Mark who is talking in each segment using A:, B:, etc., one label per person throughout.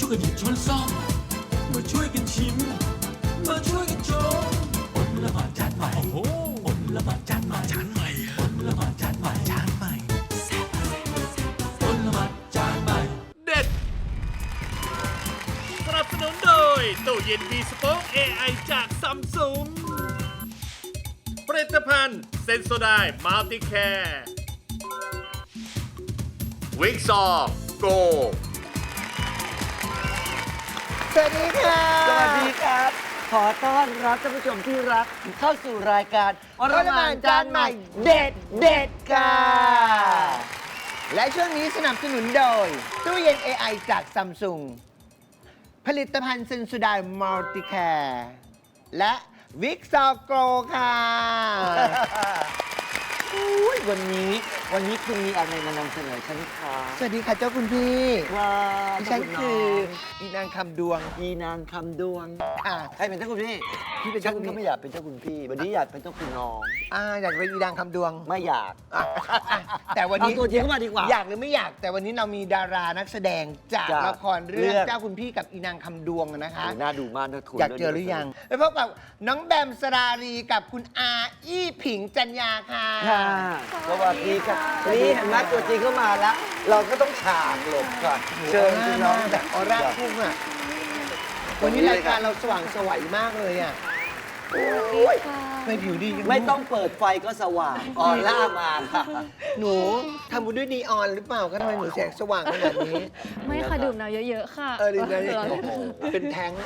A: วยกันหยิบช้อนซ่อมมาช่วยกันชิมมาช่วยกันชมอดละหมาดจานใหม่โอ้โหอดละหมาดจานใหม่จานใหม่อดละหมาดจานใหม่จานใหม่อดละหมาดจานใหม่
B: เด็ดสนับสนุนโดยตู้เย็นมีสป็อค AI จากซัมซุงผลิตภัณฑ์เซนโซไดมัลติแคร์วิกซอโก
C: สวัสดีค่ะ
D: สวัสดีครับ ขอต้อนรับท่านผู้ชมที่รักเข้าสู่รายการอรมานจานใหม่เด็ดเด็ดค่ะ
C: และช่วงนี้สนับสนุนโดยตู้เย็น AI จากซัมซุงผลิตภัณฑ์เซนสุดายมัลติแคร์และวิกซอโกรค่ะ
D: อุ๊ยวันนี้คุณมีอะไรมานำเสนอฉันคะ
C: สวัสดีค่ะเจ้าคุณพี่
D: ว้า
C: ดิฉันคืออีนางคำดวง
D: อีนางคำดวง
C: ค่ะ
D: ใครเป็นเจ้าคุณพี่
C: พี่เป็น
D: ฉั
C: เจ้าน คุณ
D: ก็
C: พี่
D: ไม่อยากเป็นเจ้าคุณพี่ วันนี้อยากเป็นเจ้าคุณน้อง
C: อยากเป็นอีนางคำดวง
D: ไม่อยาก
C: อ่ะแต่วัน
D: เอา
C: นี้
D: ตัวจริงเข้ามาดีกว่า
C: อยากหรือไม่อยากแต่วันนี้เรามีดารานักแสดงจาก
D: จาก
C: ละครเรื่อง
D: เรื่อง
C: เจ้าคุณพี่กับอีนางคำดวงนะคะ
D: น่าดูมากนะคุณ
C: อยากเจอหรือยังไปพบกับน้องแบมสรารีกับคุณอาอี้ผิงจันยาค่ะ
D: ค่ะสวัสดีค่ะนี่เห็นไหมตัวจริงเข้ามาแล้ว เราก็ต้องฉากหลบก่อนเชิญคุณน้อง
C: แบบออร่าพุ่งอ่ะวันนี้รายการเราสว่างไสวยมากเลยอ่ะโอ้ยไม่ผิวดีจัง
D: ไม่ต้องเปิดไฟก็สว่างออร่ามาค่ะ
C: หนูทำบุญด้วยนีออนหรือเปล่าก็ทำไมหนูแสงสว่างขนาดนี้
E: ไม่ค่ะดื่มน้ำเยอะๆค่ะ
C: ดีนะ
E: เออ
C: โอ้โหเป็นแท้ง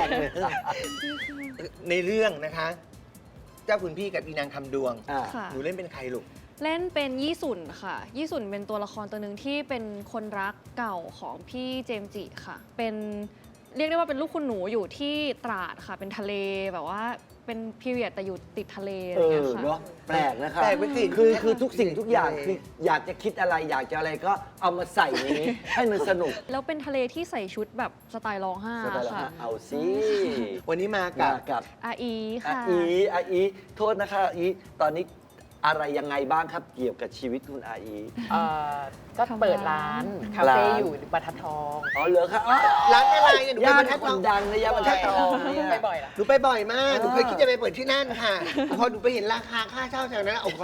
C: ในเรื่องนะคะ เจ้าคุณพี่กับอีนางคำดวง
D: อ่า
E: ค่ะ
C: หนูเล่นเป็นใครลูก
E: เล่นเป็นยี่สุนค่ะ ยี่สุนเป็นตัวละครตัวหนึ่งที่เป็นคนรักเก่าของพี่เจมส์จิค่ะ เป็นเรียกได้ว่าเป็นลูกคุณหนูอยู่ที่ตราดค่ะ เป็นทะเลแบบว่าเป็นพีเรียดแต่อยู่ติดทะเลอะไรอย่างเงี้ยค่ะ
D: เนาะแปลกนะครับ
C: แปลกไปสิ
D: คือทุกสิ่งทุกอย่างคืออยากจะคิดอะไรอยากจะอะไรก็เอามาใส่ในนี้ ให้มันสนุก
E: แล้วเป็นทะเลที่ใส่ชุดแบบสไตล์ร้องไห้
D: สบายแล้ว
E: ค่ะ
D: ฮะเอาสิ
C: วันนี้มา
D: กั
C: กั
D: บบ กับ
E: อาอี
D: อา
E: ค่ะ
D: อีโทษนะคะอาอีตอนนี้อะไรยังไงบ้างครับเกี่ยวกับชีวิตคุณอาอี
F: ก็เปิดร้านคาเฟ่อยู่บรรทัดทอง
D: อ๋อเหรอครับอ๋อ
C: ร้านอะไรเนี่ยหนูไป
D: ย่าน
C: บรรทัด
D: ค
C: ทอน ง
D: ดังนะย่านบรรทัดทองเนี่ย
F: ไปบ่อยละ
C: หนูไปบ่อยมากหนูเคยคิดจะไปเปิดที่นั่นค่ะ พอหนูไปเห็นราคาค่าเช่าแถวนั้นโอ้โห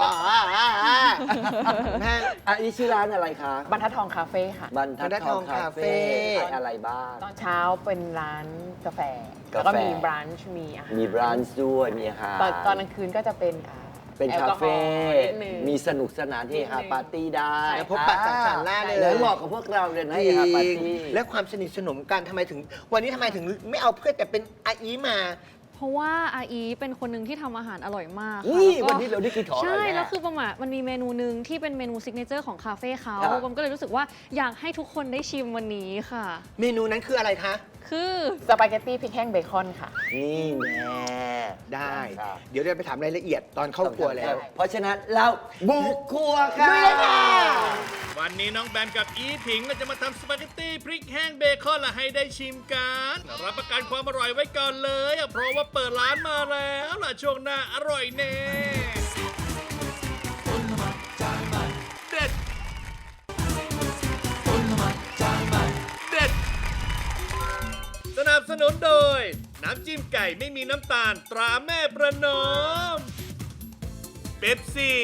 C: แพง
D: อาอีชื่อร้านอะไรคะ
F: บรรทัดทองคาเฟ่ค่ะ
D: บรรทัดทองคาเฟ่ขายอะไรบ้าง
F: ตอนเช้าเป็นร้านกาแฟ
D: กาแฟ
F: แล้วก็มีบรันช์มีอาหาร
D: มีบรานช์ด้วยมีอาหาร
F: ตอนกลางคืนก็จะเป็น
D: เป็น
F: แอล
D: คาก
F: อฮอ
D: เฟ่
F: ล์นิดนึง
D: มีสนุกสนานเฮฮาปาร์ตี้ได้
F: ใช่
C: แล้วพบปะสังสรรค์ล่าเลย
D: แล้วเหมาะกับพวกเราเลยนะเฮฮาปาร์ตี้
C: และความสนิทสนมกันทำไมถึง วันนี้ทำไมถึงไม่เอาเพื่อนแต่เป็นอาอีมา
E: เพราะว่าอาอีเป็นคนหนึ่งที่ทำอาหารอร่อยมากค่ะ
D: นี่
E: แล้วก็
D: วันนี้เราได้กินของอร่อย
E: ใช่
D: แน่
E: แล้วคือประมาณมันมีเมนูหนึ่งที่เป็นเมนูซิกเนเจอร์ของคาเฟ่เขา
D: ครับ
E: ผมก็เลยรู้สึกว่าอยากให้ทุกคนได้ชิมวันนี้ค่ะ
C: เมนูนั้นคืออะไรคะ
E: คือ
F: สปาเกตตี้พริกแห้งเบคอนค่ะ
D: นี่แน่
C: ได้
D: ครับ
C: เดี๋ยวเราไปถามรายละเอียดตอนเข้าครัวแล้ว
D: เพราะฉะนั้นเราบุกครัวค่ะ
B: วันนี้น้องแบมกับอีผิงเราจะมาทำสปาเกตตี้พริกแห้งเบคอนละให้ได้ชิมกันรับประกันความอร่อยไว้ก่อนเลยเพราะว่าเปิดร้านมาแล้วล่ะช่วงหน้าอร่อยแน่เด็ดเด็ดสนับสนุนโดย น้ำจิ้มไก่ไม่มีน้ำตาลตราแม่ประนอมเป๊ปซี่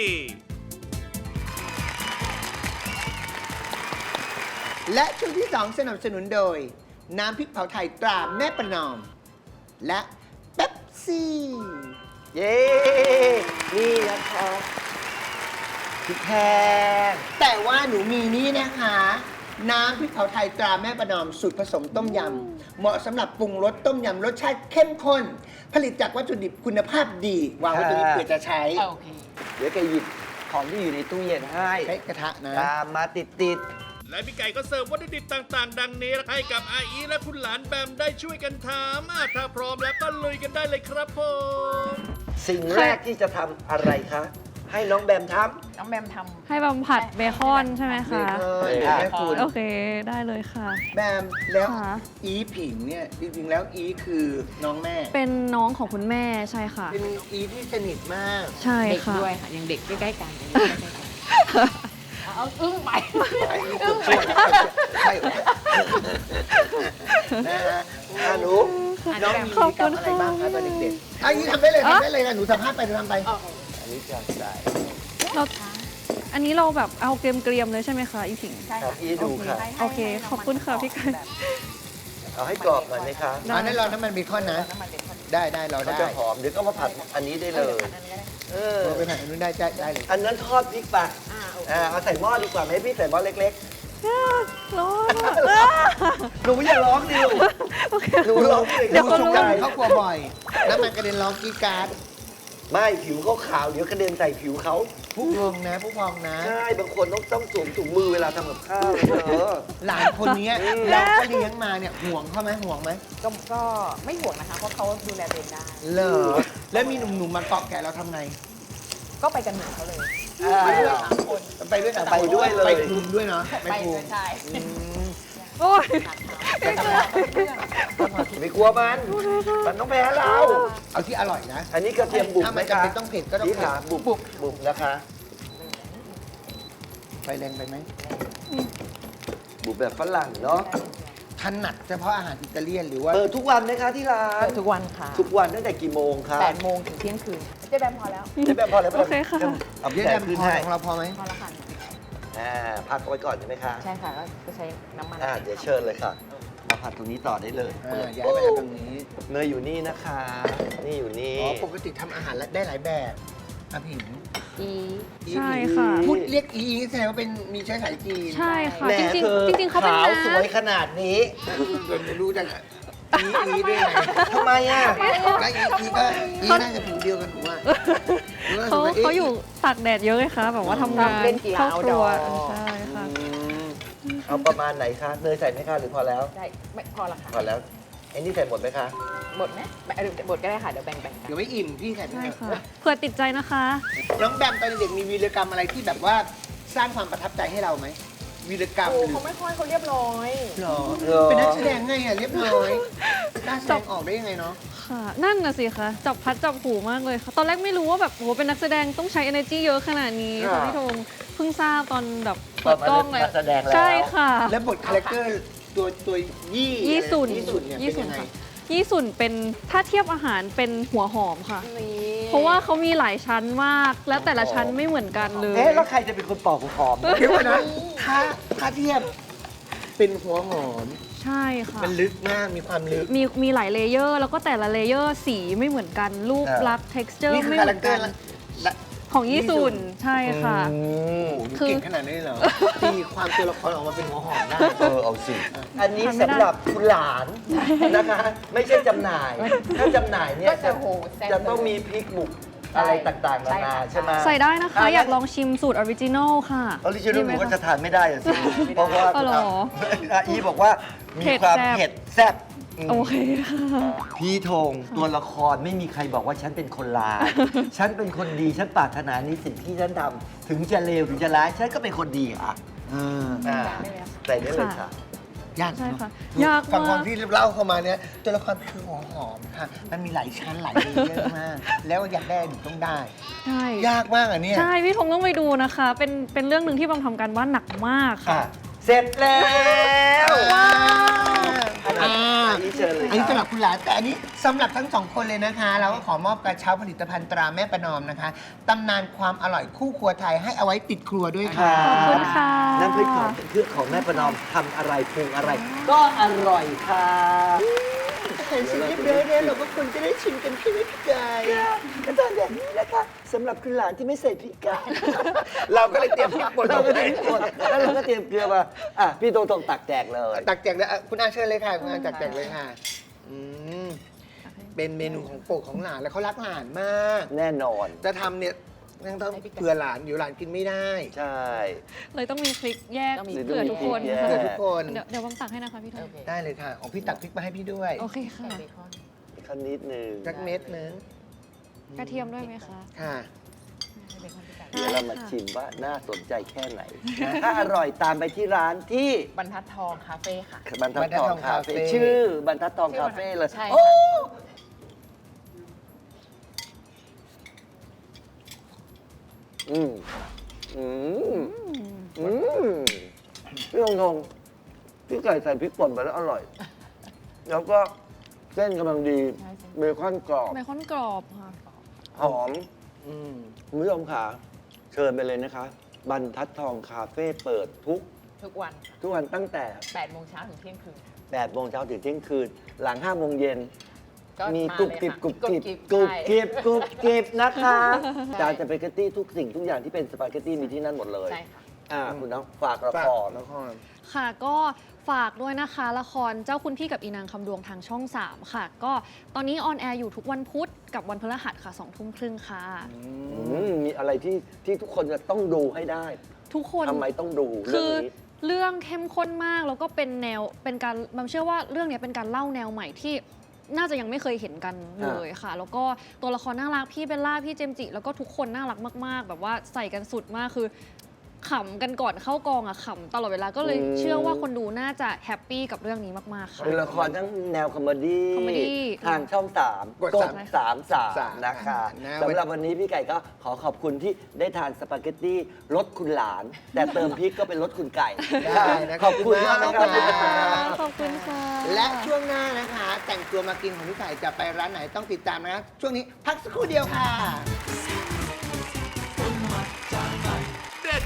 C: และช่วงที่ 2 สนับสนุนโดย น้ำพริกเผาไทยตราแม่ประนอม และเป๊ปซี่
D: เย้ นี่นะครับพริกแห้ง
C: แต่ว่าหนูมีนี่นะคะ น้ำพริกเผาไทยตราแม่ประนอมสูตรผสมต้มยำ เหมาะสำหรับปรุงรสต้มยำรสชาติเข้มข้น ผลิตจากวัตถุดิบคุณภาพดี วางไว้ตรงนี้เผื่อจะใช้
F: โอเค
D: เดี๋ยวแกหยิบของที่อยู่ในตู้เย็นให้
C: ใช้กระทะนะ
D: ตามมาติด
B: และพี่ไก่ก็เสิร์ฟวัตถุดิบต่างๆ ดังนี้ให้กับอาอีและคุณหลานแบมได้ช่วยกันทำถ้าพร้อมแล้วก็ลุยกันได้เลยครับผม
D: ๆ สิ่งแรกที่จะทำอะไรคะ ให้น้องแบมท
F: น้องแบมทำ
E: ให้บำผัดเบคอนใช่ไหมคะ
C: เบคอนแม่คุณ
E: โอเคได้เลยค่ะ
C: แบมแล้ว
E: ค่ะ
C: อีผิงเนี่ยจริงๆแล้วอีคือน้องแม่
E: เป็นน้องของคุณแม่ใช่ค่ะ
C: เป็นอีที่สนิทมาก
E: ใช่
F: เด็ก
E: ค่ะ
F: ด้วยค่ะ ยังเด็กใกล้ๆกันยังเด็กใกล้ๆกันเอาอึ้งไป
C: ใช่นะฮะหนูน้องมี
E: ขอบ
C: กิจกร
E: คุ
C: รม
E: ณ
C: อะไร
E: ค่ะ
C: บ้างคะตอนเด็กๆอันนี้ทำได้เลยทำได้เลยค่ะหนูสัมภาษณ์ไปหนูทำไป อันนี้จะใส่
E: เราอันนี้เราแบบเอาเกรียมๆเลยใช่ไหมคะอีผิง
F: ใช่
C: ครับ
F: ค่ะ
C: อีดูค่ะ
E: โอเคขอบคุณค่ะพี่ไก่
C: เอาให้กรอบหน่อยไหมคะ
E: ได้
C: อันนั้นเราน้ำมันเบคอนนะ
F: น้ำมันเบคอน
C: ได้เรา
G: ก็
C: ได้
G: จะหอม เดี๋ยวก็มาผัดอันนี้ได้เลย
F: อันนี้ก็ได้
G: เออ
C: เราไปไหนอันนู้นได้เลย
G: อันนั้นทอดพริกปะ
F: โอเค
G: เอาใส่หม้อดีกว่าไหมพี่ใส่หม้อเล็ก
E: ร้อน
G: ๆ หนูอย่าร้องดิลูกหนูร้อง
E: เดี๋ยวเขารู้
C: กับข้าวครัวบ่อย น้ำมันกระเด็นร้องกรีดกราร์ด
G: ไม่ผิวเขาขาวเดี๋ยวกระเด็นใส่ผิวเขา
C: ผู้พองนะผู้พองนะ
G: ใช่ บางคนต้องสวมถุงมือเวลาทำกับข้าวเลยเออ
C: หลานคนนี้เราก็เลี้ยงมาเนี่ยห่วงเขาไหมห่วงไหม
F: ก็ไม่ห่วงนะคะ เพราะเขาดูแลตัวเองได้
C: เหรอแล้วมีหนุ่มๆมาเกาะแกะเราทำไง
F: ก็ไปกันเหมือนเขาเลย
C: ไปด้วยเหรอ
F: 3 คน
C: ไปด้วยกัน
G: ไปด้วยเลย
C: ไปคุมด้วยเนาะ
F: ไป
C: คุ
F: ด้
C: ม
F: วยใช่
E: โอ้ย
G: ไม่กลัวมันต้องแพ้เรา
C: เอาที่อร่อยนะ
G: อันนี้กระเทียมบุบ
C: ถ้า
G: ไหม
C: มัน
G: คะ
C: จำเป็นต้องเผ็ดก็ต้อง
G: พี่
C: เผ็ด
G: ขาบุบนะคะ
C: ไฟแรงไปไหม
G: บุบแบบฝรั่งเนาะ
C: ถนัดเฉพาะอาหารอิตาเลียนหรือว่า
G: เปิดทุกวันไหมคะที่ร้าน
F: ทุกวันค่ะ
G: ทุกวันตั้งแต่กี่โมงคะ
F: 8 โมงถึงเที่ยงคืนเจ๊แบมพอแล้ว
G: ได้แบบพอแล้ว
E: โอเคค่ะ
G: เอา
C: เยอะ
G: แจ
C: แยะ
G: กคืน
C: พอ
G: ให้
C: ของเราพอไหม
F: พอแล้วค่ะ
G: พักเอาไว้ก่อนใช่ไหมคะ
F: ใช่ค่ะก็ใช้น้ำมัน
G: เดี๋ยวเชิญเลยค่ะ มาผัดตรงนี้ต่อได้เลย
C: ย้ายไปทางตรงนี้
G: เนยอยู่นี่นะคะ นี่อยู่นี่
C: อ๋อปกติทำอาหารได้หลายแบบอาผิง
F: อี
E: ใช่ค่ะ
C: พูดเรียกอีแสดงว่าเป็นมีเชื้อสายจีน
E: ใช่ค่ะ
G: แหม
E: จริง
G: เธอ
E: ๆจริงๆเขาเป็น
G: ขาว
E: น้า
G: สวยขนาดนี้
C: จนรู้จักอีด้วยไง
G: ทำไมอ่ะ
C: แล้วอีก็น่าจะผิวเดียวกันถูกไหม
E: เขาอยู่ตากแดดเยอะเลยค่ะแบบว่าทำงาน
F: เล่นกีฬา
E: เข้า
F: เอา
E: ค
F: ด
E: รั
F: อ
E: ว
F: ร์
E: ใช่ค่ะ
G: เอาประมาณไหนคะ เนยใส่ไหมคะหรือพอแล้ว
F: ได้ไม่พอละค่ะ
G: พอแล้วไอ้นี่ใส่หมดไหมคะ
F: หมดไหมหมดก็ได้ค่ะ เดี๋ยวแบ่งๆกัน
C: เดี๋ยวไม่อิ่มพี่ใส่ไป
E: ใช่
C: เถอะ
E: ค่ะเผื่อติดใจนะคะ
C: น้องแบมตอนเด็กมีวีรกรรมอะไรที่แบบว่าสร้างความประทับใจให้เราไหมวีรกรรม
F: โอ้
C: หรือ
F: เขาไม่ค่อยเขาเรียบร้อย
C: หรอเป็นนักแสดงไงอ่ะเรียบร้อยกล้าแสดงออกได้ยังไงเนาะ
E: ค่ะ นั่นน่ะสิคะจับพัดจับผูมากเลยค่ะ ตอนแรกไม่รู้ว่าแบบโหเป็นนักแสดงต้องใช้ energy เยอะขนาดนี้ค่ะพี่ธงเพิ่งทราบตอนแบบเปิดกล้องเลย
G: มาแสดงแล้ว
E: ใช่ค่ะ
C: แล้วบทคาแรคเตอร์ตัวยี่
E: ยี่สุน
C: ยี่สุนเนี่ยเป็นยังไง
E: ค่ะยี่สุนเป็นถ้าเทียบอาหารเป็นหัวหอมค่ะ
F: นี่
E: เพราะว่าเขามีหลายชั้นมาก แล้วแต่ละชั้นไม่เหมือนกันเลย
G: เอ๊ะแล้วใครจะเป็นคนปอกหอม
C: เดี๋ยวก่อนนะถ้าเทียบเป็นหัวหอม
E: ใช่ค่ะ
C: มันลึกมากมีความลึก
E: มีหลายเลเยอร์ แล้วก็แต่ละเลเยอร์สีไม่เหมือนกัน รูปลักษณ์ texture
C: นี่คือ
E: ไม่
C: คา
E: เห
C: แร
E: มือ
C: คน เตอ
E: กั
C: ร์
E: น
C: ละ
E: ของยี่สุนใช่ค่ะ คือ
C: เก่งขนาดนี้เหรอตีความตัวละครออกมาเป็นหัวหอมได้
G: เอาสิ อันนี้สำหรับคุณหลานนะคะ ไม่ใช่จำหน่าย ถ้าจำหน่ายเนี่ย
F: ก็จะโหแซ่บ
G: จะต้องมีพริกบุกอะไรต่างๆนานาใช่ไหม
E: ใส่ได้นะคะ อยากลองชิมสูตรออริจินอลค่ะ
G: ออริจินอล
E: ดี
G: ห
E: ไหม
G: นูก็
E: คะ
G: จะทานไม่ได้อะสิเพราะว่า
E: อ๋อเหรอ
G: อีบอกว่ามีความ
E: เผ็
G: เผ็
E: ด
G: ดแซ่บ
E: โอเคค่ะ
G: พี่ธงตัวละครไม่มีใครบอกว่าฉันเป็นคนร้าย ฉันเป็นคนดี ฉันปรารถนาในสิ่งที่ฉันทำถึงจะเลวถึงจะร้าย ฉันก็เป็นคนดีอ่ะใส่ได้เลยค่ะ
C: ยาก
E: ใช่
C: เนอะ
E: ค่ะยาก
C: ฟังค
E: มาว
C: าม
E: ก
C: ที่เล่าเข้ามาเนี่ยตัวละครคือหัวหอมค่ะ มันมีหลายชั้นหลายเลเยอร์มาก แล้วอยากได้หนูต้องได้
E: ใช่
C: ยากมากอ่ะเนี่ย
E: ใช่ พี่ธงต้องไปดูนะคะ เป็นเรื่องหนึ่งที่บางทำการบ้านหนักมากค่ะ
G: ค่ะ เสร็จแล้ว
C: ว้าว
G: อันนี้เชิญเลย
C: อันนี้
G: ค
C: สำห
G: รั
C: รั
G: บบ
C: คุณหลานแต่อันนี้สำหรับทั้งสองคนเลยนะคะ เราก็ขอมอบกระเช้าผลิตภัณฑ์ตราแม่ประนอมนะคะตำนานความอร่อยคู่ครัวไทยให้เอาไว้ติดครัวด้วยค่ะ
E: ขอบคุณค่ะ
G: น้ำพริกของเครื่องของแม่ประนอมทำอะไรปรุงอะไร ก็อร่อยค่ะ
C: เห็นสิ่งเรียบร้อยแล้วเราก็ควรจะได้ชิมกันใช่ไหมพี่กาย
G: ก็ตอนแบบนี้นะคะสำหรับคุณหลานที่ไม่ใส่พริกกาย
C: เราก็เลยเตรียมพริกป่น
G: เรา
C: มา
G: ก็
C: ให้
G: เตรียมกดแล้วเราก็เตรียมเกลือมาพี่โตงตักแจกเลย
C: ตักแจกเลยคุณอาเชิญเลยค่ะคุณอาตักแจกเลยค่ะอืมเป็นเมนูของโปรดของหลานแล้วเขารักหลานมาก
G: แน่นอน
C: จะทำเนี่ยต้องเผื่อหลานอยู่หลานกินไม่ได้
G: ใช่
E: เลยต้องมีพริกแยก
F: ต้องมี
E: เผื่อทุกคน
G: พริกแยก
E: ค่ะ
C: เผื่อทุกคน
E: เดี๋ยวบางตักให้นะคะพี่ธง
F: โอเค
C: ได้เลยค่ะของพี่ตักพริกมาให้พี่ด้วย
E: โอเคค่ะ
F: เบคอน
G: ขั้นนิดนึง
C: สักเม็ดนึง
E: กระเทียมด้วยไหมคะ
C: ค่ะ
F: เบคอนพี่ไก่
G: เดี๋ยวเรามาชิมว่าน่าสนใจแค่ไหน ถ้าอร่อยตามไปที่ร้านที่
F: บรรทัดทองคาเฟ่ค่ะ
G: บรรทัดทองคาเฟ่
C: บรรทัดทองคาเฟ่
G: ชื่อบรรทัดทองคาเฟ่เลย
F: ใช่
G: โอ้
F: ค่ะ
G: อืมอืมพี่ธงพี่ไก่ใส่พริกป่นไปแล้วอร่อย แล้วก็เส้นกำลังดีเบคอนกรอบ
E: เบคอนกรอบค่ะ
G: หอมคุณผู้ชมค่ะ เชิญไปเลยนะคะ บรรทัดทองคาเฟ่เปิดทุก
F: ทุกวัน
G: ตั้งแต่
F: 8 โมงเช้าถึงเที่ยงคืน
G: 8 โมงเช้าถึงเที่ยงคืน หลัง 5 โมงเย็น
F: ก็
G: มี
F: มา
G: กุบ
F: เลย
G: กิบ
F: ค่ะ
G: กุบกิบ
F: กุ
G: กุ
F: บบ กิ
G: กิ
F: บบ
G: กุบกิบนะคะจานสปาเกตตี้ทุกสิ่งทุกอย่างที่เป็นสปาเกตตี้มีที่นั่นหมดเลย
F: ใช่ค่ะ
G: คุณน้องฝากละคร
E: ค่ะก็ฝากด้วยนะคะละครเจ้าคุณพี่กับอีนางคำดวงทางช่อง 3 ค่ะ ก็ตอนนี้ออนแอร์อยู่ทุกวันพุธกับวันพฤหัสค่ะ 20:30 ค่ะ
G: มีอะไรที่ทุกคนจะต้องดูให้ได้
E: ทุกคน
G: ทำไมต้องดูเรื่
E: คื
G: อง
E: อ
G: นี้
E: เรื่องเข้มข้นมากแล้วก็เป็นแนวเป็นการมันเชื่อว่าเรื่องนี้เป็นการเล่าแนวใหม่ที่น่าจะยังไม่เคยเห็นกันเลยค่ะ แล้วก็ตัวละครน่ารักพี่เบลล่าพี่เจมส์จิแล้วก็ทุกคนน่ารักมากๆ แบบว่าใส่กันสุดมากคือขำกันก่อนเข้ากองอะขำตลอดเวลาก็เลยเชื่อว่าคนดูน่าจะแฮปปี้กับเรื่องนี้มากๆค่ะ
G: เป็นละครทั้งแนวคอมเมดี้
E: คอมเมดี้
G: ทางช่อง 3
C: กด
G: 33 นะคะ
C: นะ
G: สำหรับวันนี้พี่ไก่ก็ขอขอบคุณที่ได้ทานสปาเกตตี้รสคุณหลาน แต่เติมพริกก็เป็นรสคุณไก่
C: ได้นะ
G: ขอบคุณมาก
C: ข
G: นะ
C: อบ
G: ค
C: คุ
G: รับ
C: ณมาก
E: ขอบคุณค่ะ
C: และช่วงหน้านะคะ แต่งตัวมากินของพี่ไก่จะไปร้านไหนต้องติดตามนะ ช่วงนี้พักสักครู่เดียวค่ะ
B: เด็ด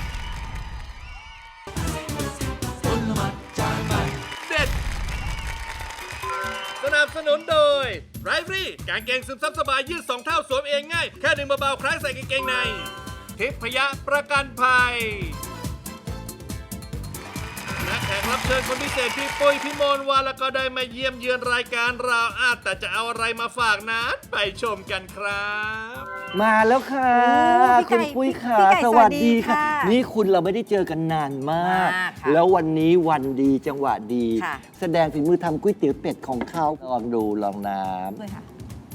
B: เด็ด สนับสนุนโดยไรฟรี่กางเกงซึมซับสบายยืด2 เท่าสวมเองง่าย แค่ดึงเบาๆคล้ายใส่กางเกงในทิพยะประกันภัยและแขกรับเชิญคนพิเศษพี่ปุ้ยพี่มนต์วาแล้วก็ได้มาเยี่ยมเยือนรายการเราแต่จะเอาอะไรมาฝากนั้นไปชมกันครับ
G: มาแล้วค่ะ
H: พี่ไก่
G: คุณปุ้ยค่ะ
H: พี่ไก่
G: สวัสดี
H: สวัสดี
G: ค่ะ
H: ค่ะ
G: นี่คุณเราไม่ได้เจอกันนานมาก
H: มากค่ะ
G: แล้ววันนี้วันดีจังหวะดี
H: ค่ะ
G: แสดงฝีมือทำก๋วยเตี๋ยวเป็ดของเขาลองดูลองน้
H: ด้วยค่ะ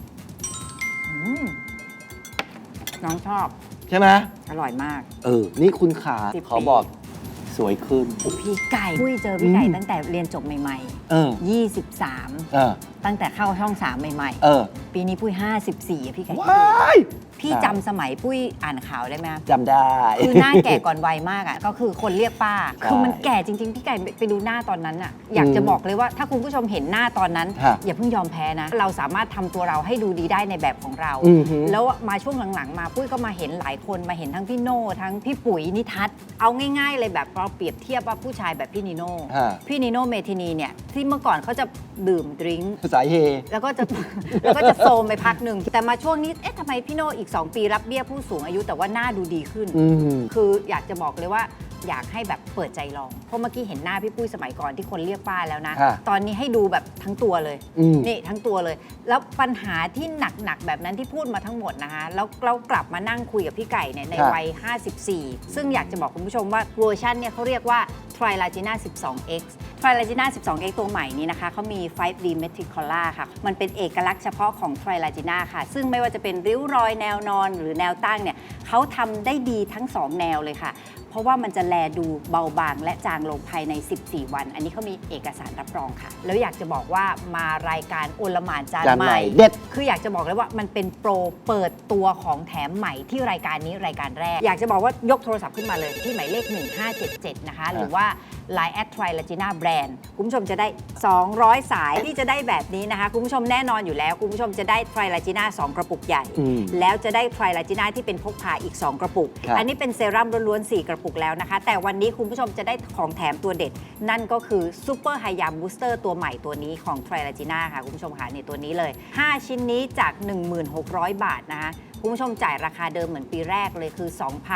H: น้องชอบ
G: ำใช่ไหม
H: อร่อยมาก
G: นี่คุณขา
H: 10
G: ขอบอกสวยขึ้น
H: พี่ไก่ปุ้ยเจอพี่ไก่
G: อืม
H: ตั้งแต่เรียนจบใหม่
G: เออ
H: ๆ 23
G: เออ
H: ตั้งแต่เข้าช่อง 3 ใหม่
G: เออ
H: ๆ ปีนี้ปุ้ย 54อะพี่ไก่
G: ว้าย
H: พี่จำสมัยปุ้ยอ่านข่าวได้ไหม
G: จำได้
H: คือหน้าแก่ก่อนวัยมากอ่ะ ก็คือคนเรียกป้า
G: ใช่
H: คือมันแก่จริง ๆ พี่ไก่ไปดูหน้าตอนนั้นอ่ะ อยากจะบอกเลยว่าถ้าคุณผู้ชมเห็นหน้าตอนนั้น
G: ฮะ
H: อย่าเพิ่งยอมแพ้นะ เราสามารถทำตัวเราให้ดูดีได้ในแบบของเรา
G: อือฮึ
H: แล้วมาช่วงหลังๆ มาปุ้ยก็มาเห็นหลายคนมาเห็นทั้งพี่โน่ทั้งพี่ปุ๋ยนิทัศน์เอาง่ายๆเลยแบบเราเปรียบเทียบว่าผู้ชายแบบพี่นิโน่
G: ฮะ
H: พี่นิโน่เมทินีเนี่ยที่เมื่อก่อนเขาจะดื่มดริงก์
G: สายเฮ
H: แล้วก็จะ แล้วก็จะโซมไปพักหนึ่งแต่มาช่วงนี้เอ๊ะทำไมพี่โน่อีก 2 ปีรับเบี้ยผู้สูงอายุแต่ว่าหน้าดูดีขึ้น
G: อืม
H: คืออยากจะบอกเลยว่าอยากให้แบบเปิดใจลอง เพราะเมื่อกี้เห็นหน้าพี่ปุ้ยสมัยก่อนที่คนเรียกป้าแล้วนะ
G: ค่ะ
H: ตอนนี้ให้ดูแบบทั้งตัวเลย
G: อืม
H: นี่ทั้งตัวเลย แล้วปัญหาที่หนักๆแบบนั้นที่พูดมาทั้งหมดนะคะแล้วเรากลับมานั่งคุยกับพี่ไก่เนี่ยในวัย 54 ซึ่งอยากจะบอกคุณผู้ชมว่าเวอร์ชันเนี่ยเขาเรียกว่า Trilagina 12X Trilagina 12X ตัวใหม่นี้นะคะเขามี 5D Metricola ค่ะ มันเป็นเอกลักษณ์เฉพาะของ Trilagina ค่ะ ซึ่งไม่ว่าจะเป็นริ้วรอยแนวนอนหรือแนวตั้งเนี่ยเขาทำได้ดีทั้ง 2 แนวเลยค่ะ เพราะว่ามันจะแลดูเบาบางและจางลงภายใน 14 วัน อันนี้เขามีเอกสารรับรองค่ะ แล้วอยากจะบอกว่ามารายการโอลหม่านจาน
G: จาน
H: ให
G: ใหม่
H: ม่
G: เด็ด
H: คืออยากจะบอกเลยว่ามันเป็นโปรเปิดตัวของแถมใหม่ที่รายการนี้รายการแรก อยากจะบอกว่ายกโทรศัพท์ขึ้นมาเลยที่หมายเลข 1577 นะคะ หรือว่า Line @Trilagina Brand คุณผู้ชมจะได้ 200 สายที่จะได้แบบนี้นะคะ คุณผู้ชมแน่นอนอยู่แล้ว คุณผู้ชมจะได้ Trilagina 2 กระปุกใหญ่
G: อืม
H: แล้วจะได้ Trilagina ที่เป็นพกพาอีก 2 กระปุก
G: ครับ
H: อันนี้เป็นเซรั่มล้วนๆ 4 กระปุกแล้วนะคะ แต่วันนี้คุณผู้ชมจะได้ของแถมตัวเด็ด นั่นก็คือ Super High Yam Booster ตัวใหม่ตัวนี้ของ Trilagina ค่ะ คุณผู้ชมค่ะในตัวนี้เลย 5 ชิ้นนี้จาก 16,000 บาทนะคะ คุณผู้ชมจ่ายราคาเดิมเหมือนปีแรกเลยคือ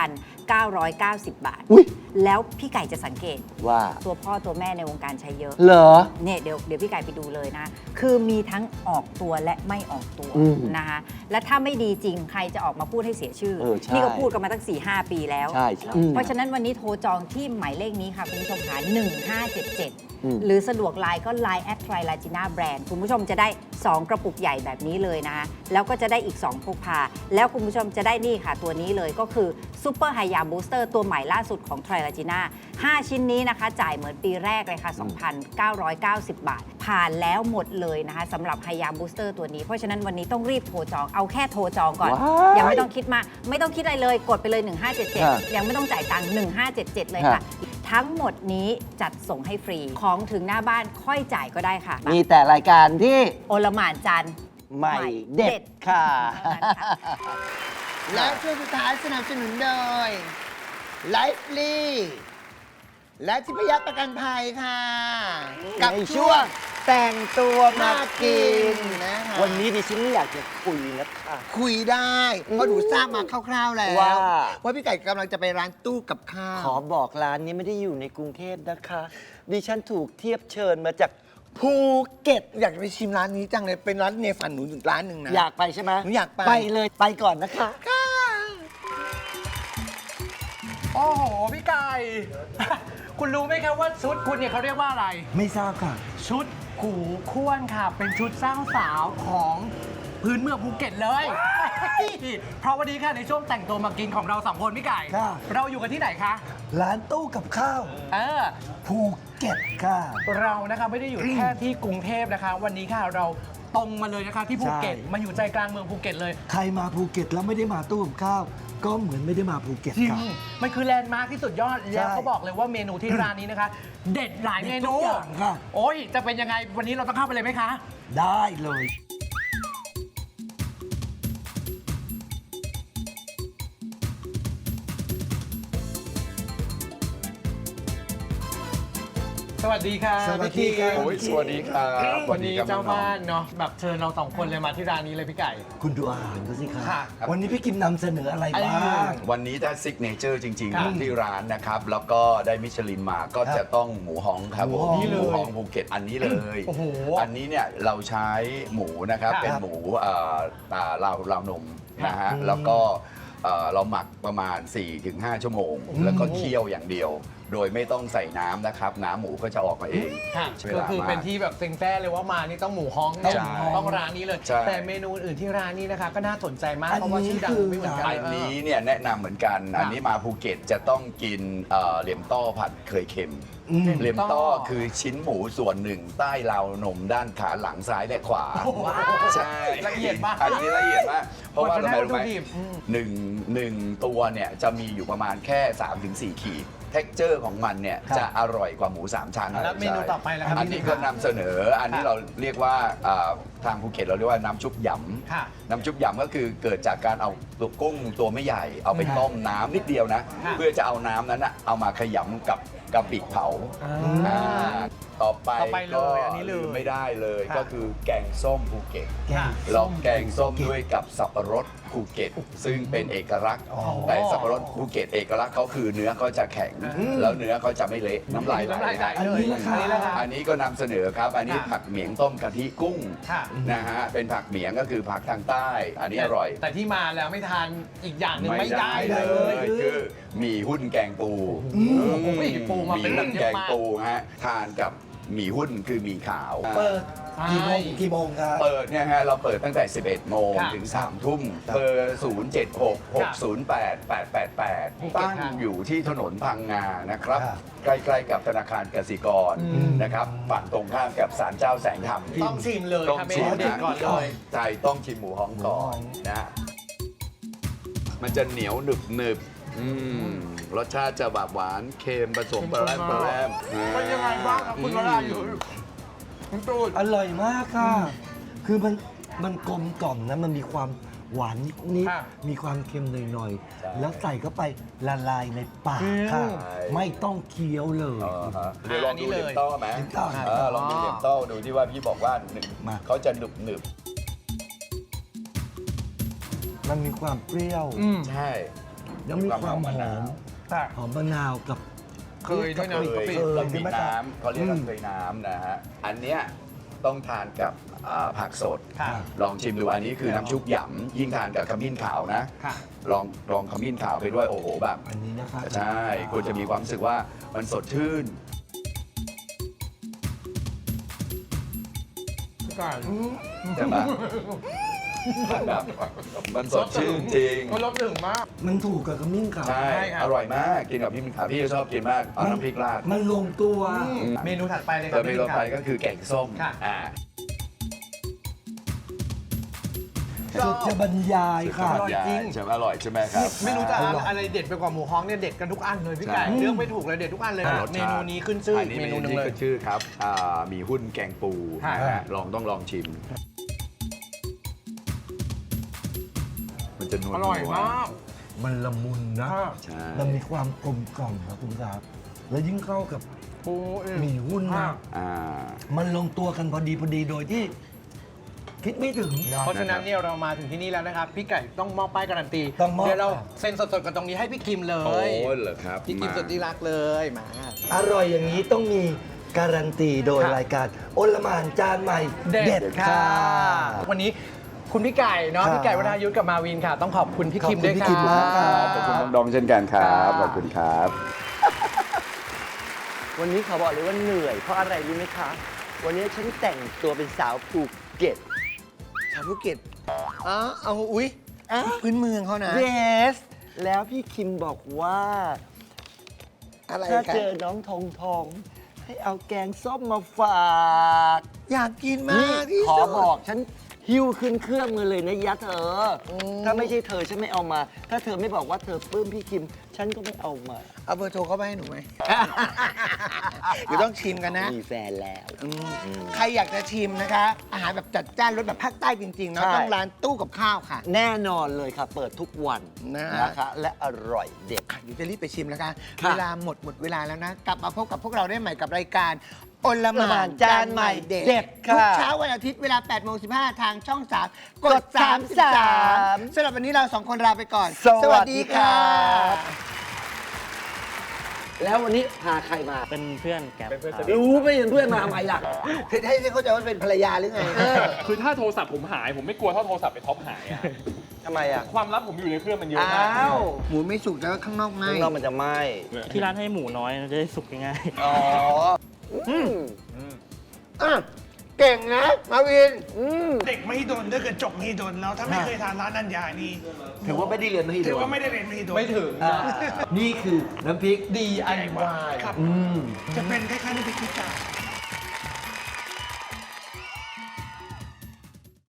H: 2,990 บาท
G: อุ๊ย
H: แล้วพี่ไก่จะสังเกต
G: ว่า
H: ตัวพ่อตัวแม่ในวงการใช้เยอะ
G: เหรอ
H: เนี่ยเดี๋ยวพี่ไก่ไปดูเลยนะ คือมีทั้งออกตัวและไม่ออกตัว
G: อืม
H: นะคะ และถ้าไม่ดีจริงใครจะออกมาพูดให้เสียชื่อ
G: ใช่
H: นี่ก็พูดกันมาตั้ง 4-5 ปีแล้ว
G: ใช่ใช่
H: เพราะฉะนั้นวันนี้โทรจองที่หมายเลขนี้ค่ะ คุณผู้ชมค่ะ1577
G: อืม
H: หรือสะดวกไลน์ก็ Line @Trilagina Brand คุณผู้ชมจะได้ 2 กระปุกใหญ่แบบนี้เลยนะคะแล้วก็จะได้อีก 2 พกพาแล้วคุณผู้ชมจะได้นี่ค่ะตัวนี้เลยก็คือซูเปอร์ไฮยาบูสเตอร์ตัวใหม่ล่าสุดของไทรลาจีน่า5ชิ้นนี้นะคะจ่ายเหมือนปีแรกเลยค่ะ 2,990 บาท ผ่านแล้วหมดเลยนะคะสำหรับไฮยาบูสเตอร์ตัวนี้เพราะฉะนั้นวันนี้ต้องรีบโทรจองเอาแค่โทรจองก่อน
G: ว้าย
H: ยังไม่ต้องคิดมากไม่ต้องคิดอะไรเลยกดไปเลย 1577 ยังไม่ต้องจ่ายตังค์1577 เลยค่ะ ทั้งหมดนี้จัดส่งให้ฟรีของถึงหน้าบ้านค่อยจ่ายก็ได้ค่ะ
G: มีแต่รายการที่
H: โอลหม่านจันทร์
G: ใหม่เด็ดค่ะ
H: เท่านั้นค่ะ
C: และช่วงสุดท้ายสนับสนุนโดยไลฟ์ลีและทิพยประกันภัยค่ะ กับ
G: ใน
C: ช่วง
G: แต่งตัวมากิน
C: นะคะ
G: วันนี้ดิฉันไม่อยากจะคุยนะคะ
C: คุยได้เพราะหนูทราบมาคร่าวๆแล้ว
G: ว่า
C: พี่ไก่กำลังจะไปร้านตู้กับข้าว
G: ขอบอกร้านนี้ไม่ได้อยู่ในกรุงเทพนะคะ ดิฉันถูกเทียบเชิญมาจากภูเก็ต
C: อยากจะไปชิมร้านนี้จังเลยเป็นร้านในฝันหนูอยู่ร้านหนึ่งนะ
G: อยากไปใช่ไหม
C: หนูอยากไป
G: ไปเลยไปก่อนนะคะ
I: โอ้โห พี่ไก่ คุณรู้ไหมครับว่าชุดคุณเนี่ยเขาเรียกว่าอะไร
G: ไม่ทราบค่ะ
I: ชุดกูข้วนค่ะ เป็นชุดสร้างสาวของพื้นเมืองภูเก็ตเลย เพราะวันนี้ค่ะในช่วงแต่งตัวมากินของเราสองคนพี่ไก่
G: ค่ะ
I: เราอยู่กันที่ไหนคะ
G: ร้านตู้กับข้าว
I: เออ
G: ภูเก็ตค่ะ
I: เรานะคะไม่ได้อยู่แค่ที่กรุงเทพนะคะ วันนี้ค่ะเราตรงมาเลยนะคะที่ภูเก็ต
G: ใช่
I: มาอยู่ใจกลางเมืองภูเก็ตเลย
G: ใครมาภูเก็ตแล้วไม่ได้มาตู้กับข้าว ก็เหมือนไม่ได้มาภูเก็ต
I: จริง
G: ค่ะ
I: มันคือแลนด์มาร์คที่สุดยอด แล้วเขาบอกเลยว่าเมนูที่ร้านนี้นะคะ เด็ดหลายเมนู
G: เด็ดทุกอย่างค่ะ
I: โอ้ยจะเป็นยังไงวันนี้เราต้องเข้าไปเลยไหมคะ
G: ได้เลย
I: สวัสดีค่ะ
G: สวัสดีครับ
I: พี่
J: โอ้ยสวัสดีครับ
I: วันนี้
J: ครับ
I: เจ้า
J: น้องๆ
I: บ้านเนาะแบบเชิญเราสองคนเลยมาที่ร้านนี้เลยพี่ไก่
G: คุณดูอาหารเขาสิคะ
I: ค่ะ
G: วันนี้พี่กิมนำเสนออะไรบ้าง
J: วันนี้ถ้าซิกเนเจอร์จริง
I: ครับ
J: ๆของที่ร้านนะครับ แล้วก็ได้มิชลินมาก็จะต้องหมูฮ้องครับผม
G: หมูฮ้อง
J: หมูฮ้องภูเก็ตอันนี้เลย
I: โอ้โห
J: อันนี้เนี่ยเราใช้หมูนะครับ
I: ครับ
J: เป็นหมูราวนมนะฮะแล้วก็เราหมักประมาณ 4-5 ชั่วโมง แล้วก็เคี่ยวอย่างเดียว โดยไม่ต้องใส่น้ำนะครับ น้ำหมูก็จะออกมาเอง
I: ค่ะ
J: ใช้เว
I: ก็
J: ลา
I: คือ
J: มา
I: เป็น
J: ก
I: ที่แบบเซ็งแซ่เลยว่ามานี่ต้องหมูฮ้องเนี่ย
J: ใช่
I: ต้องร้านนี้เลย
J: ใช่
I: แต่เมนูอื่นที่ร้านนี้นะคะ ก็น่าสนใจมาก
G: อัน
I: เพราะว่า
G: นี้
I: ชื่อดัง
G: คือ
I: ไม่เหมือนกัน
J: อันนี้เนี่ยแนะนำเหมือนกัน อันนี้มาภูเก็ตจะต้องกินเหลี่ยมต้อผัดเคยเค็ม เหลี่ยมต้อคือชิ้นหมูส่วนหนึ่งใต้ราวนมด้านขาหลังซ้ายและขวา ใช่
I: ละเอียดมาก
J: อันนี้ละเอียดมาก เพราะว่า
I: วัตถุ
J: รู้ไหม
I: ดิบ
J: หนึ่งตัวเนี่ยจะมีอยู่ประมาณแค่ 3-4 ขีด เท็กเจอร์ของมันเนี่ย
G: ครับ
J: จะอร่อยกว่าหมู 3 ชั้น
I: แล้วเมนูต่อไปล่ะครับ
J: อันนี้ก็นำเสนอ อันนี้เราเรียกว่าทางภูเก็ตเราเรียกว่าน้ำชุบหยำ
I: ค่ะ
J: น้ำชุบหยำก็คือเกิดจากการเอาตัวกุ้งตัวไม่ใหญ่ เอาไปต้มน้ำนิดเดียวนะ
I: ค่ะ
J: เพื่อจะเอาน้ำนั้นนะเอามาขยำกับกะปิเผาอ่าต่อไป
I: เลยอันนี้เลย
J: ลืมไม่ได้เลย
I: ค่ะ
J: ก็คือแกงส้มภูเก็ต
I: ค่ะ
J: เราแกงส้มด้วยกับสับปะรดภูเก็ต ซึ่งเป็นเอกลักษณ์แต่สับปะรดภูเก็ตเอกลักษณ์เขาคือเนื้อเขาจะแข็ง แล้วเนื้อเขาจะไม่เละน้ำลายไหล
I: น้ำลายไหล
J: นะ
I: เลย
G: อันนี้ล่ะครับ
J: อันนี้ก็นำเสนอครับ อันนี้
I: ค่ะ
J: ผักเหมียงต้มกะทิกุ้ง
I: ค่ะ
J: นะฮะเป็นผักเหมียงก็คือผักทางใต้ อันนี้อร่อย
I: แต่ที่มาแล้วไม่ทานอีกอย่างหนึ่งไม่ได้เลย
J: คือหมี่หุ้นแกงปู
I: โอ้ยปูมาเป็น
J: ห
I: แบบ
J: หุ้น
I: เย
J: แก
I: อะ
J: ง
I: มาก
J: ปูฮะทานกับหมี่หุ้นคือหมี่ขาว
G: เปิด
I: ใช่
G: กี่โมงครับ
J: เปิดเนี่ยฮะเราเปิดตั้งแต่ 11 โมง
I: ค่ะ
J: ถึง 3 ทุ่มเบอร์ 076-608-888 ตั้งอยู่ที่ถนนพังงานะครับ
G: ครับ
J: ใกล้ๆกับธนาคารกสิกรนะครับฝั่งตรงข้ามกับศาลเจ้าแสงธรรม
I: ต้องชิมเลย
J: ต้อง
I: ค่ะเม
J: ชิม
I: นูเด็ด
J: นะ
I: ก่อนเลย
J: ใช่ต้องชิมหมูฮ้องก่อนนะ มันจะเหนียวหนึบหนึบรสชาติจะแบบหวานเค็มผสมปลาแรม
I: เป็นยังไงบ้างครับคุณวรายุทธ์คุณตูน
G: อร่อยมากค่ะ คือมันกลมกล่อมนะ มันมีความหวานนิด
I: ค่ะ
G: ๆ มีความเค็มหน่อยๆ แล้วใส่เข้าไปละลายในปากค่ะ ไม่ต้องเคี้ยวเลย
J: เดี๋ยวลองดูเหลี่ยมต้อไหม
G: เหลี่ยมต้อ
J: ลองดูเหลี่ยมต้อดูที่ว่าพี่บอกว่าหนึ่ง
G: มา
J: เขาจะหนึบหนึบ
G: มันมีความเปรี้ยว
J: ใช่
G: แล้วมีความหอม
I: ค่ะ
G: หอมมะนาวกับ
I: เคยด้วยนะ
J: เคย
G: เคย
J: เรามี
G: ใช่ไหมครับ
J: น้ำเขาเรียกว่าเคยน้ำนะฮะ อันเนี้ยต้องทานกับผักสด
I: ค่ะ
J: ลองชิมดูอันนี้คือน้ำชุบหยำยิ่งทานกับขมิ้นขาวนะ
I: ค่ะ
J: ลองขมิ้นขาวไปด้วยโอ้โหแบบ
G: อันนี้นะคะ
J: ใช่คุณจะมีความรู้สึกว่ามันสดชื่น
I: พี่ไก่
J: ใช่ไหมแบบมันสดชื่นจริง
I: มันรสถึงมาก
G: มันถูกกับขมิ้นขาว
J: ใช่ อร่อยมากกินกับพี่มิ้นขาพี่ชอบกินมากเอาน้ำพริกราด
G: มันลงตัว
I: เมนูถัดไปเลยครั
J: แต่เมนูต่อไป
I: พี่
J: ก็คือแกงส้ม
I: ค่ะ
G: สุดจะบรรยายค่ะ
J: อร่อยจริงใช่ไหมอร่อยใช่ไหมครับ
I: ไม่รู้จะอะไรเด็ดไปกว่าหมูฮ้องเนี่ยเด็ดกันทุกอันเลยพี่ไก่
J: ใช่
I: เรื่องไม่ถูกเลยเด็ดทุกอันเลย
J: รส
I: เม
J: ชาติ
I: นูนี้ขึ้นชื่อ
J: อัน
I: อี
J: นี้
I: กเม
J: เม
I: นู
J: นู
I: หนึง
J: ที่
I: เลย
J: ขึ้นชื่อครับมีหุ้นแกงปู
I: ค่ะ
J: นะฮะต้องลองชิม มันจะนวล
I: อร่อยมาก
G: มันละมุนนะ
J: ใช่
G: มันมีความกลมกล่อมครับคุณครับ แล้วยิ่งเข้ากับ
I: ปู
G: หมี่หุ้นนะ
J: อ่า
G: มันลงตัวกันพอดีโดยที่ คิดไม่ถึง
I: เพราะฉะนั้นเนี่ยเรามาถึงที่นี่แล้วนะครับ พี่ไก่ต้องมอบป้ายการันตี
G: ต้องมอบ
I: เดี๋ยวเราเซ็นสดๆกันตรงนี้ให้พี่คิมเล
J: โอ้
I: ย
J: เหรอครับ
I: พี่คิม
J: มา
I: สุดที่รักเลยมา
G: อร่อยอย่างนี้ต้องมีการันตีโดย
I: ค่ะ
G: รายการโอลหม่านจานใหม่
I: เด็ดค่ะ
G: ค่ะ
I: วันนี้คุณพี่ไก่เนาะ
G: ครับ
I: พี่ไก่วรายุทธกับมาวินค่ะ ต้องขอบคุณพี่คิมด้วย
G: ขอบคุณพี่
I: ค่ะ
G: คิมมากครับ
J: ขอบคุณน้องดองเช่นกันครับ ขอบคุณครับ
D: วันนี้ขอบอกเลยว่าเหนื่อยเพราะอะไรรู้ไหมคะ วันนี้ฉันแต่งตัวเป็นสาวภูเก็ต
C: ชาวภูเก็ตอ๋อเอาอุ๊ยพื้นเมืองเขานะ
D: yes แล้วพี่คิมบอกว่า
C: อะไร
D: ถ้า
C: กัน
D: เจอน้องทองทอง ให้เอาแกงส้มมาฝาก
C: อยากกินมา
D: นี่
C: กที่
D: ขอ
C: สุด
D: บอกฉันหิ้วขึ้นเครื่องมาเลยนะยะเธออถ้าไม่ใช่เธอฉันไม่เอามา ถ้าเธอไม่บอกว่าเธอปลื้มพี่คิม ฉันก็ไม่เอามา
C: เอาเบอร์โทรเข้าไปให้หนูไหม เดี๋ยวต้องชิมกันนะ
D: มีแฟนแล้ว
C: ใครอยากจะชิมนะคะ อาหารแบบจัดจ้านรสแบบภาคใต้จริงๆเนาะ
D: ใช่
C: ต้องร้านตู้กับข้าวค่ะ
D: แน่นอนเลยค่ะ เปิดทุกวัน
C: นะ
D: นะคะและอร่อยเด็ด
C: เดี๋ยวจะรีบไปชิมแล้วค่ะ
D: ค่ะ
C: เวลาหมดเวลาแล้วนะ กลับมาพบกับพวกเราได้ใหม่กับรายการโอลห
D: ละห
C: ม่า
D: ม่าน น
C: จา
D: จาน น
C: ให
D: ใหม่
C: ม่เด็ด
D: เด็ดค่ะ
C: ทุกเช้าวันอาทิตย์เวลา 8:15 ทางช่อง 3 กด
D: 33
C: 33สำหรับวันนี้เราสองคนลาไปก่อน
D: สวัสดีค่ะ
C: บ
D: แล้ววันนี้พาใครมา
K: เป็นเพื่อนแก๊ปครับ
D: รู้ไม่เป็นเพื่อนมาทำไมล่ะ
C: ให้เข้าใจว่าเป็นภรรยาหรือไง
K: คือถ้าโทรศัพท์ผมหาย ผมไม่กลัวเท่าโทรศัพท์ไปท็อปหายอะ
D: ทำไมอ่ะ
K: ความลับผมอยู่ในเครื่องมันเยอะมาก
D: อ้าว
C: หมูไม่สุกแล้วข้างนอกไหม
D: ข้างนอกมันจะไหม้
K: ที่ร้านให้หมูน้อยจะได้สุกง่าย
D: อ๋อ
C: อ่ะเก่งนะ มาวิน
L: เด็กมหิดลถ้าเกิดจบมหิดลแล้วถ้าไม่เคยทานร้านนันยานี่
D: ถือว่าไม่ได้เรียนมหิดล
L: ถือว่าไม่ได้เรียนมหิดล
I: ไม่ถึง
D: นี่คือน้ำพริก
I: DIY
L: ครับ จะเป็นคล้ายๆน้ำพริกขี้กา